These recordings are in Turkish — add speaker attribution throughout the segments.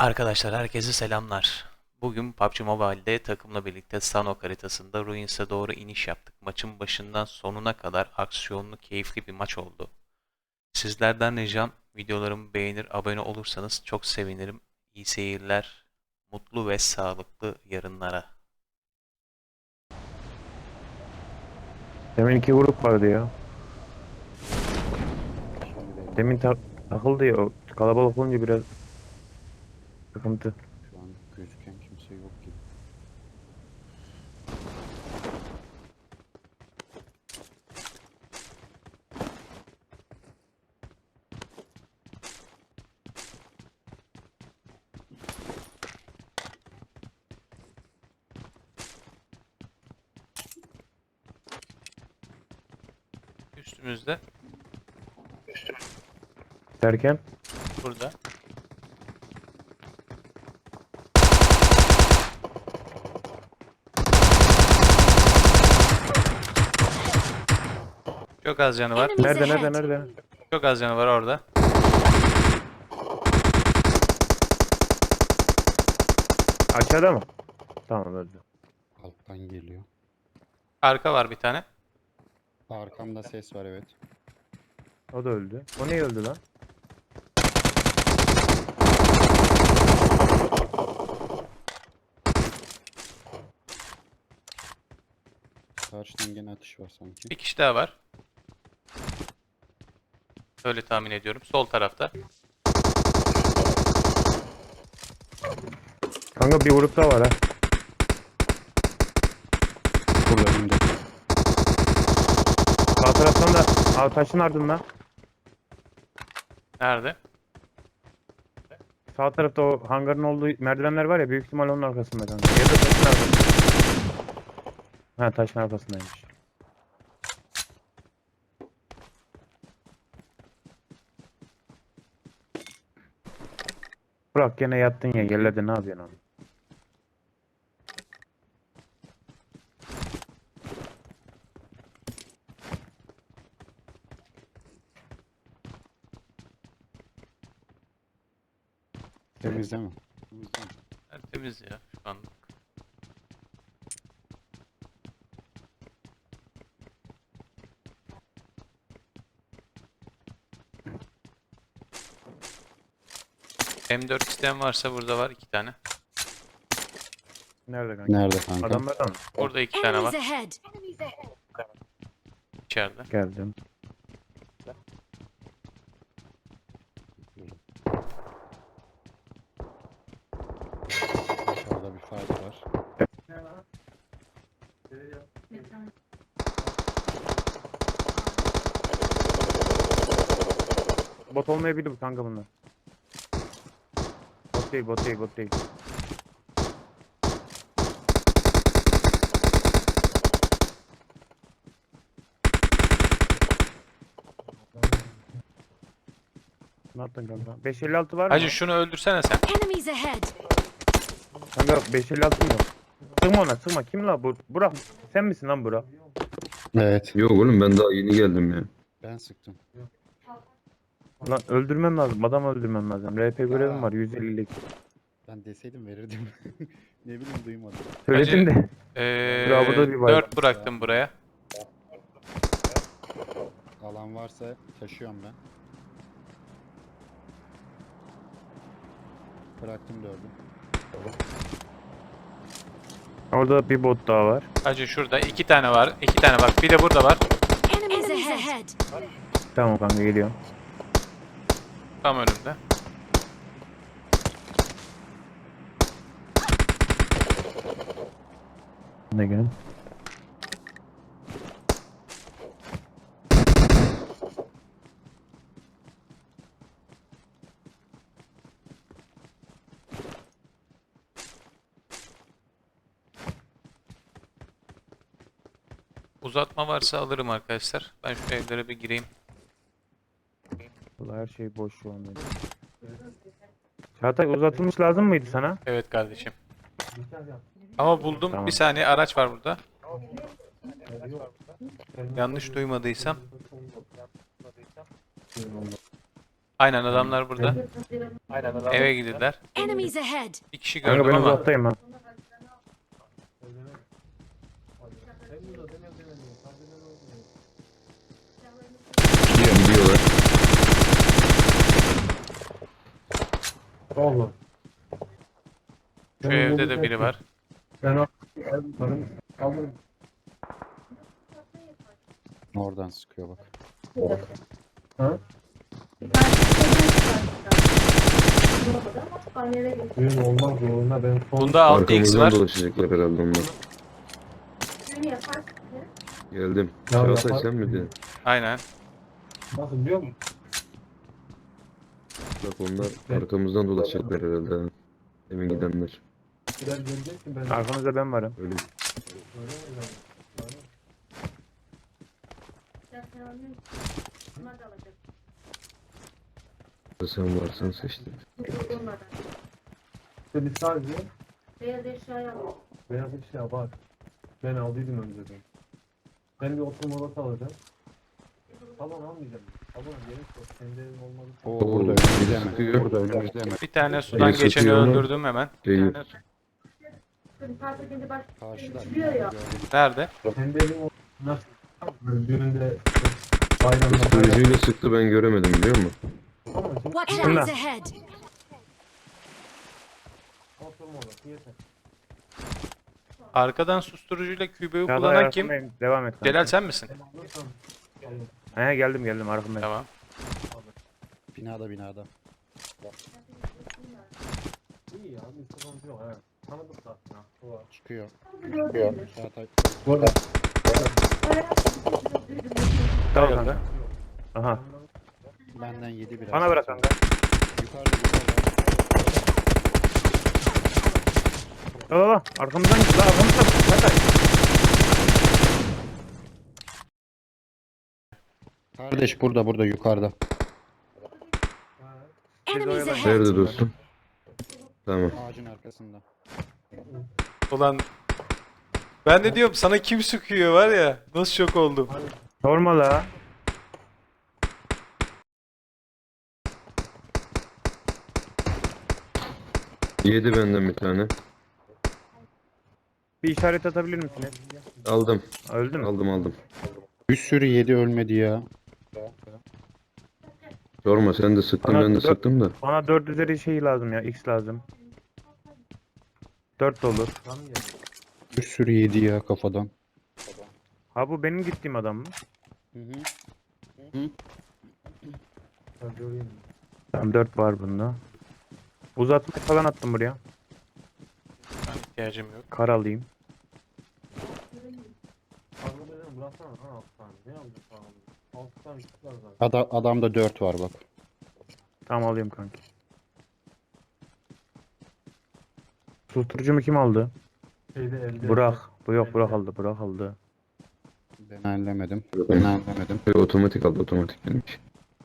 Speaker 1: Arkadaşlar herkese selamlar. Bugün PUBG Mobile'de takımla birlikte Sanhok haritasında Ruins'e doğru iniş yaptık. Maçın başından sonuna kadar aksiyonlu, keyifli bir maç oldu. Sizlerden ricam videolarımı beğenir, abone olursanız çok sevinirim. İyi seyirler, mutlu ve sağlıklı yarınlara.
Speaker 2: Demin iki grup vardı ya.
Speaker 3: Şimdi belli.
Speaker 2: Demin takıldı ya. O kalabalık olunca biraz sıkıntı.
Speaker 3: Şu an gözüken kimse yok gibi.
Speaker 1: Üstümüzde,
Speaker 2: Derken
Speaker 1: burada. Çok az canı var.
Speaker 2: nerede?
Speaker 1: Çok az canı var orada.
Speaker 2: Aşağıda mı? Tamam öldü.
Speaker 3: Alttan geliyor.
Speaker 1: Arka var bir tane.
Speaker 3: Arkamda ses var, evet.
Speaker 2: O da öldü. O niye öldü lan?
Speaker 3: Karşıdan gene atış var sanki.
Speaker 1: Bir kişi daha var. Öyle tahmin ediyorum. Sol tarafta.
Speaker 2: Kanka bir grup daha var ha.
Speaker 3: Burada önümde.
Speaker 2: Sağ taraftan da taşın ardından.
Speaker 1: Nerede?
Speaker 2: Sağ tarafta o hangarın olduğu merdivenler var ya, büyük ihtimal onun arkasında kanka. Ya da taşın arkasında. Ha, taşın arkasındaymış. Burak gene yattın ya, yerlerde ne yapıyorsun abi?
Speaker 3: Temiz değil mi?
Speaker 1: Temiz ya şu anlık. M4 isteyen varsa burada var 2 tane.
Speaker 2: Nerede kanka?
Speaker 3: Nerede kanka?
Speaker 2: Adamlar da mı?
Speaker 1: Burada 2 tane
Speaker 4: Enemies
Speaker 1: var
Speaker 4: ahead!
Speaker 1: içeride.
Speaker 2: Geldim.
Speaker 3: Aşağıda bir fight var.
Speaker 2: Bot olmayabilir bu kanka bunlar. Bot değil. Ne yaptın kanka? 556 var mı?
Speaker 1: Hacı şunu öldürsene sen.
Speaker 4: Enemies ahead!
Speaker 2: Kanka 556 mı? Sıkma ona, sıkma. Kim la bu? Burak, sen misin lan Burak?
Speaker 3: Evet.
Speaker 5: Yok oğlum ben daha yeni geldim ya.
Speaker 3: Ben sıktım.
Speaker 2: Lan öldürmem lazım. Adam öldürmem lazım. RP görevim var 150'lik.
Speaker 3: Ben deseydim verirdim. Ne bileyim, duymadım.
Speaker 2: Söyledim de. Bravo da bir var.
Speaker 1: 4 bıraktım buraya.
Speaker 3: Alan varsa taşıyorum ben. Bıraktım 4'ü.
Speaker 2: Orada bir bot daha var.
Speaker 1: Hacı şurada 2 tane var. 2 tane bak. Bir de burada var.
Speaker 4: Enemies ahead!
Speaker 2: Tamam kanka, geliyorum.
Speaker 1: Tam önümde.
Speaker 2: Ne gelin?
Speaker 1: Uzatma varsa alırım arkadaşlar. Ben şu evlere bir gireyim.
Speaker 2: Vallahi her şey boş şu an benim. Çağatay, uzatılmış lazım mıydı sana?
Speaker 1: Evet kardeşim. Ama buldum.
Speaker 2: Tamam.
Speaker 1: Bir saniye araç var burada. Yanlış duymadıysam. Aynen adamlar burada. Eve gidiyorlar.
Speaker 4: Enemies ahead.
Speaker 1: Bir kişi
Speaker 2: Kanka
Speaker 1: gördüm
Speaker 2: ben
Speaker 1: ama
Speaker 2: uzaktayım ha.
Speaker 5: Gidiyorlar.
Speaker 2: Oğlum.
Speaker 1: şu evde de biri var.
Speaker 2: Ben
Speaker 3: Oradan sıkıyor bak.
Speaker 2: Düğün olmaz zorunda ben son
Speaker 1: Bunda 6x
Speaker 5: Arkamızdan
Speaker 1: var.
Speaker 5: dolaşacaklar herhalde onlar. Geldim.
Speaker 2: Ya
Speaker 5: Çağatay
Speaker 2: yapar-
Speaker 5: sen miydin?
Speaker 1: Aynen.
Speaker 2: nasıl biliyor musun?
Speaker 5: Bak onlar arkamızdan dolaşacaklar herhalde. Ha. Emin gidenler.
Speaker 2: Biraz göreceksin ben. Arkanızda ben varım.
Speaker 5: Öyle. Sen varsan seçtim.
Speaker 2: İşte biz sadece beyaz eşya var. Ben aldıydım önceden. Ben bir oturma odası alacağım. Salon almayacağım. Salon gerek yok. Kendi evim olmadı.
Speaker 3: Oo,
Speaker 5: Oo,
Speaker 3: burada önümüzde mi?
Speaker 5: sıkıyor.
Speaker 3: Burada önümüzde mi?
Speaker 1: Bir tane sudan
Speaker 5: Biri
Speaker 1: geçeni
Speaker 5: sıkıyor.
Speaker 1: öldürdüm hemen.
Speaker 5: Değil.
Speaker 3: Karşıda. Gördüm.
Speaker 1: Nerede?
Speaker 2: Kendi evim olmadı. Nasıl? Düğünde bayramda
Speaker 5: Psikolojisiyle sıktı ben göremedim biliyor musun?
Speaker 2: Ama şimdi
Speaker 4: Watch
Speaker 2: Şunlar.
Speaker 4: enemies ahead.
Speaker 2: oturma odası yeter.
Speaker 1: Arkadan susturucuyla kübeyi
Speaker 2: Ya da
Speaker 1: kullanan kim?
Speaker 2: arkandayım. Devam et. kanka.
Speaker 1: Celal sen misin?
Speaker 2: He geldim arkamdayım.
Speaker 1: Tamam.
Speaker 3: Binada.
Speaker 2: İyi ya bir sıkıntı yok. Evet. Tanıdık zaten. Ha.
Speaker 3: Çıkıyor. Çağatay.
Speaker 2: Burada. Tamam
Speaker 1: Hayırdır?
Speaker 2: kanka. Aha.
Speaker 3: Benden yedi biraz.
Speaker 2: Bana bırak kanka.
Speaker 3: Yukarıda.
Speaker 2: La arkamızdan git la arkamızdan. Çatay.
Speaker 3: Kardeş burada yukarıda.
Speaker 4: Enemies ahead.
Speaker 5: Nerede dostum? Tamam.
Speaker 3: Ağacın arkasında.
Speaker 1: Ulan ben de diyorum sana kim sıkıyor var ya. Nasıl şok oldum.
Speaker 2: Sorma la.
Speaker 5: Yedi benden bir tane.
Speaker 2: Bir işaret atabilir misiniz?
Speaker 5: Aldım.
Speaker 2: Öldü mü?
Speaker 5: Aldım.
Speaker 3: Bir sürü yedi ölmedi ya.
Speaker 5: Sorma sen de sıktın
Speaker 2: Bana
Speaker 5: ben de
Speaker 2: dört-
Speaker 5: sıktım da.
Speaker 2: Bana 4 üzeri şey lazım ya. X lazım. 4 de olur.
Speaker 3: Bir sürü yedi ya kafadan.
Speaker 2: Ha bu benim gittiğim adam mı?
Speaker 3: Hı.
Speaker 2: Tamam 4 var bunda. Uzatma falan attım buraya.
Speaker 1: Ben ihtiyacım yok.
Speaker 2: Kar alayım.
Speaker 3: Adamda 4 var bak.
Speaker 2: Tamam alayım kanki. Susturucumu kim aldı? Burak. Bu yok Burak aldı. Burak aldı.
Speaker 3: Ben hallemedim.
Speaker 5: Otomatik aldı otomatik benimki.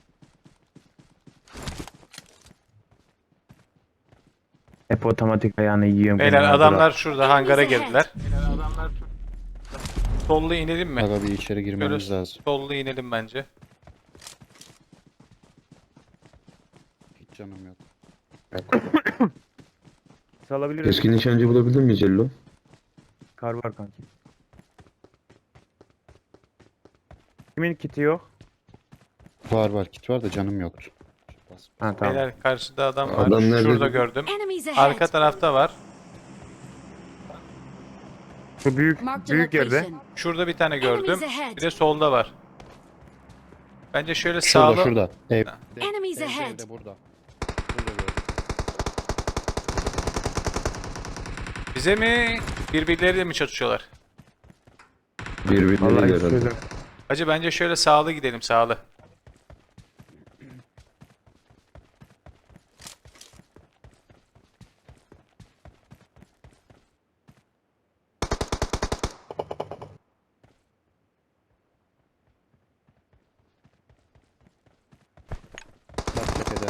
Speaker 2: Hep otomatik ayağını yiyorum.
Speaker 1: Beyler
Speaker 2: kenara
Speaker 1: adamlar şurada hangara
Speaker 4: Enemies ahead.
Speaker 1: girdiler. Sollu inelim mi?
Speaker 3: Aga bir içeri girmemiz
Speaker 1: Böyle
Speaker 3: lazım.
Speaker 1: sollu inelim bence.
Speaker 3: Hiç canım yok.
Speaker 2: Bırak. Salabiliriz.
Speaker 5: Keskin nişancı bulabildin mi Cello?
Speaker 2: Kar var kanki. Kimin kiti yok?
Speaker 3: Var kit var da canım yoktu.
Speaker 2: Ha tamam.
Speaker 1: Beyler karşıda adam var.
Speaker 5: Adam nerede?
Speaker 1: Şurada gördüm.
Speaker 4: Enemies ahead.
Speaker 1: Arka tarafta var.
Speaker 2: Şu büyük
Speaker 4: Marked a
Speaker 2: büyük yerde.
Speaker 4: location.
Speaker 1: Şurada bir tane gördüm.
Speaker 4: Enemies ahead.
Speaker 1: Bir de solda var. Bence şöyle
Speaker 3: Şurada
Speaker 1: sağlı.
Speaker 3: şurada.
Speaker 4: Enemies ahead.
Speaker 3: Evde burada. Burada gördüm.
Speaker 1: Bize mi birbirleriyle mi çatışıyorlar?
Speaker 5: Birbirleriyle
Speaker 2: Vallahi hiç
Speaker 5: herhalde.
Speaker 2: çözüm.
Speaker 1: Hacı bence şöyle sağlı gidelim sağlı.
Speaker 3: Bak tepede.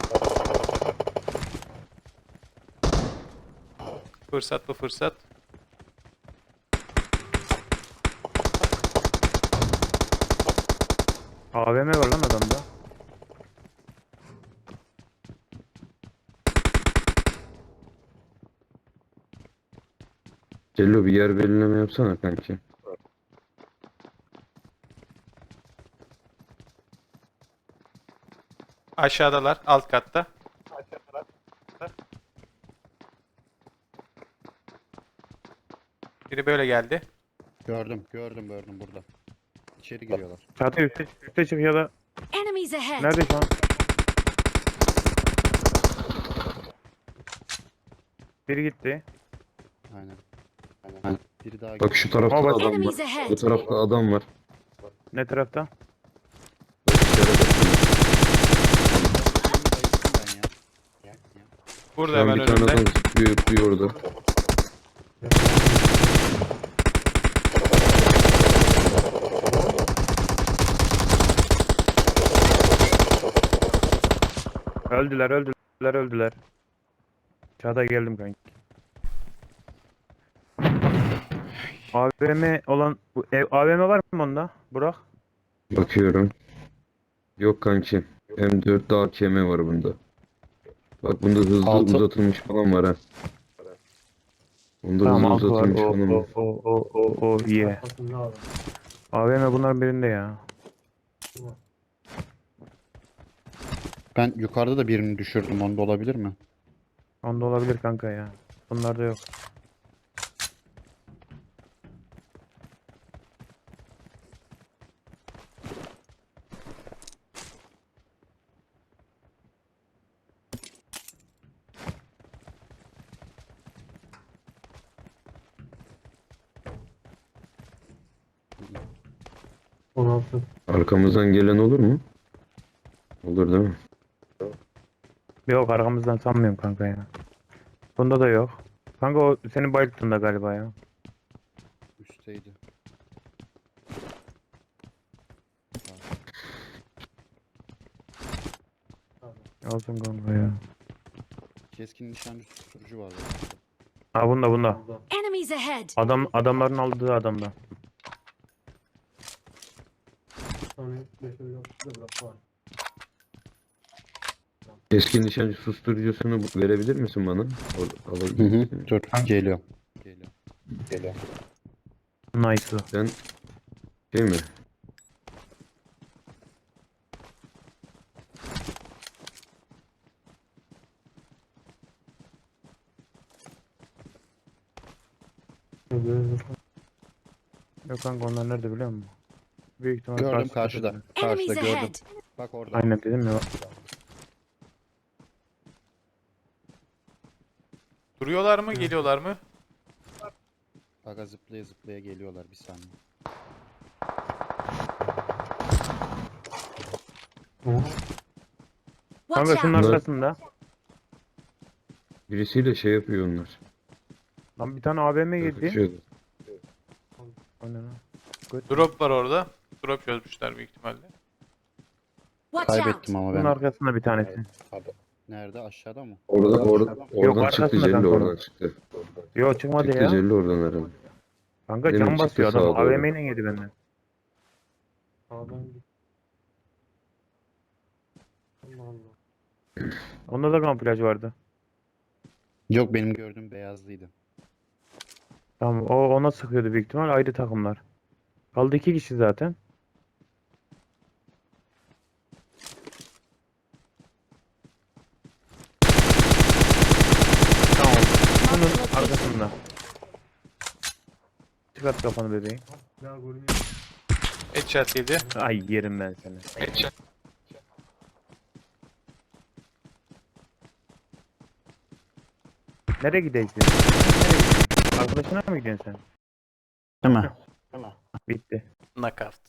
Speaker 1: Fırsat bu fırsat.
Speaker 2: AVM var lan adamda.
Speaker 5: Cello bir yer belirleme yapsana kanki.
Speaker 1: Aşağıdalar, alt katta. Biri böyle geldi.
Speaker 3: Gördüm burada. İçeri giriyorlar.
Speaker 6: Çatı üste çık ya da
Speaker 4: Enemies ahead!
Speaker 6: nerede şu an? Biri gitti.
Speaker 3: Aynen. Biri daha
Speaker 5: Bak şu tarafta
Speaker 6: Ama
Speaker 5: da adam var.
Speaker 4: Enemies
Speaker 5: Bu
Speaker 4: ahead!
Speaker 5: tarafta adam var.
Speaker 6: Ne tarafta?
Speaker 5: Bak işaret ettim.
Speaker 3: ben ya.
Speaker 1: Burada
Speaker 5: Şu an
Speaker 1: hemen
Speaker 5: bir tane
Speaker 1: önümde.
Speaker 5: adam zıplıyor orada.
Speaker 6: Öldüler. Çağatay geldim kanki. AVM olan bu ev AVM var mı onda? Burak.
Speaker 5: Bakıyorum. Yok kanki. M4 daha AKM var bunda. Bak bunda hızlı
Speaker 3: Altı.
Speaker 5: uzatılmış falan var ha. Bunda
Speaker 6: Tamam
Speaker 5: hızlı
Speaker 6: altı var.
Speaker 5: uzatılmış falan var.
Speaker 6: O iyi.
Speaker 2: Arkasında adam.
Speaker 6: AVM bunların birinde ya.
Speaker 3: Ben yukarıda da birini düşürdüm. Onda olabilir mi?
Speaker 6: Onda olabilir kanka ya. Bunlarda yok.
Speaker 2: On altı.
Speaker 5: Arkamızdan gelen olur mu? Olur değil mi?
Speaker 6: Yok arkamızdan sanmıyorum kanka ya. Bunda da yok. Kanka o senin bayılttığında galiba ya.
Speaker 3: Üstteydi.
Speaker 6: Olsun kanka ya.
Speaker 3: Keskin nişancı susturucu var.
Speaker 6: Ha bunda.
Speaker 2: Burada.
Speaker 4: Enemies ahead!
Speaker 6: Adamların aldığı adamda.
Speaker 2: Sonra 5 öyle da bırak var.
Speaker 5: Keskin nişancı susturucusunu verebilir misin bana? Alabilir misin?
Speaker 3: Dur. Geliyor.
Speaker 6: Nice.
Speaker 5: Sen şey mi?
Speaker 6: Yok kanka onlar nerede biliyor musun? Büyük ihtimal
Speaker 3: Gördüm
Speaker 6: karşıda.
Speaker 3: karşıda.
Speaker 4: Enemies
Speaker 3: Karşıda gördüm.
Speaker 4: ahead!
Speaker 3: Bak orada.
Speaker 6: Aynen dedim ya.
Speaker 1: Duruyorlar mı, geliyorlar mı?
Speaker 3: Aga zıplaya geliyorlar bir saniye.
Speaker 4: Watch
Speaker 6: Kanka şunun
Speaker 4: out!
Speaker 5: Bunlar-
Speaker 6: arkasında.
Speaker 5: Birisiyle şey yapıyor onlar.
Speaker 6: Lan bir tane AVM yedi.
Speaker 5: Tartışıyorlar.
Speaker 6: O ne lan?
Speaker 1: Drop var orada. Drop çözmüşler büyük ihtimalle.
Speaker 4: Watch out!
Speaker 3: Kaybettim ama
Speaker 6: Bunun
Speaker 3: ben.
Speaker 6: arkasında bir tanesi.
Speaker 3: Nerede? Aşağıda mı?
Speaker 5: Oradan çıktı
Speaker 6: arkasında
Speaker 5: Cello
Speaker 6: kanka
Speaker 5: oradan
Speaker 6: onun.
Speaker 5: çıktı.
Speaker 6: Yok çıkmadı
Speaker 5: Çıktı
Speaker 6: ya.
Speaker 5: Cello oradan herhalde.
Speaker 6: Kanka
Speaker 5: Demin
Speaker 6: can
Speaker 5: çıktı
Speaker 6: basıyor adam.
Speaker 5: sağa doğru.
Speaker 6: AVM ile yedi benden.
Speaker 2: Sağdan git. Allah Allah.
Speaker 6: Onda da kamuflaj vardı.
Speaker 3: Yok benim gördüğüm beyazlıydı.
Speaker 6: Tamam o ona sıkıyordu büyük ihtimal ayrı takımlar. Kaldı 2 kişi zaten. Tamam. Bunun arkasında. Çıkart kafanı bebeğim.
Speaker 2: Ya görünüyor.
Speaker 1: Headshot yedi.
Speaker 6: Ay yerim ben seni.
Speaker 1: Headshot.
Speaker 6: Nereye gideceksin? Nereye gidiyorsun? Arkadaşına mı gidiyorsun sen?
Speaker 3: Değil mi?
Speaker 6: Bitti.
Speaker 1: Knockout.